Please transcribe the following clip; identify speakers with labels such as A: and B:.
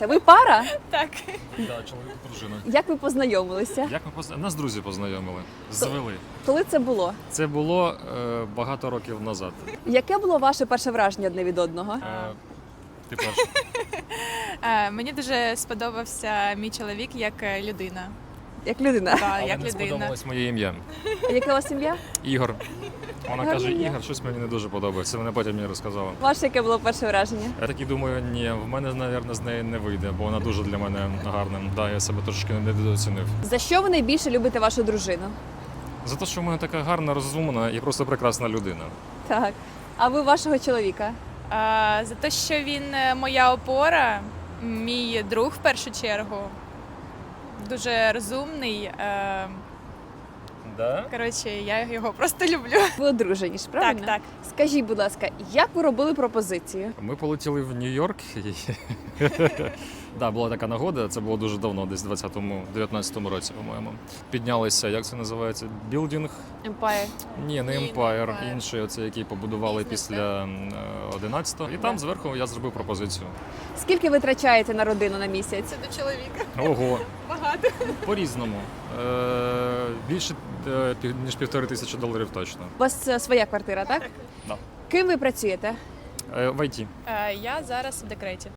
A: Ви пара?
B: Так.
C: Да, чоловік і дружина.
A: Як ви познайомилися?
C: Як ми нас друзі познайомили? Звели.
A: Коли це було?
C: Це було багато років назад.
A: Яке було ваше перше враження одне від одного?
C: Ти перший.
B: Мені дуже сподобався мій чоловік як людина.
A: Як людина?
B: Так,
C: Але
B: як
C: не
B: людина.
C: сподобалось моє ім'я.
A: Яке у вас ім'я?
C: Ігор. Вона
A: Гарне
C: каже,
A: ім'я.
C: Ігор, щось мені не дуже подобається. Вона потім мені розказала.
A: Ваше яке було перше враження?
C: Я такий думаю, ні, в мене, мабуть, з неї не вийде, бо вона дуже для мене гарна. Да, я себе трошки недооцінив.
A: За що ви найбільше любите вашу дружину?
C: За те, що в мене така гарна, розумна і просто прекрасна людина.
A: Так. А ви вашого чоловіка?
B: За те, що він моя опора, мій друг в першу чергу. Дуже розумний.
C: Да?
B: Коротше, я його просто люблю.
A: Ви одружені ж, правильно?
B: Так.
A: Скажіть, будь ласка, як ви робили пропозицію?
C: Ми полетіли в Нью-Йорк. Да, була така нагода, це було дуже давно, десь в 19-му році, по-моєму. Піднялися, як це називається? Білдинг?
A: Empire.
C: Ні, не
B: Ні, не
C: Empire,
B: Empire.
C: інший, оцей, який побудували
B: Бізнес,
C: після 11-го. І там зверху я зробив пропозицію.
A: Скільки ви витрачаєте на родину на місяць?
B: Це до чоловіка.
C: Ого,
B: Багато.
C: по-різному. Більше ніж $1500 точно.
A: У вас своя квартира, так?
C: Да.
A: Ким ви працюєте?
C: В ІТ.
B: Я зараз в декреті.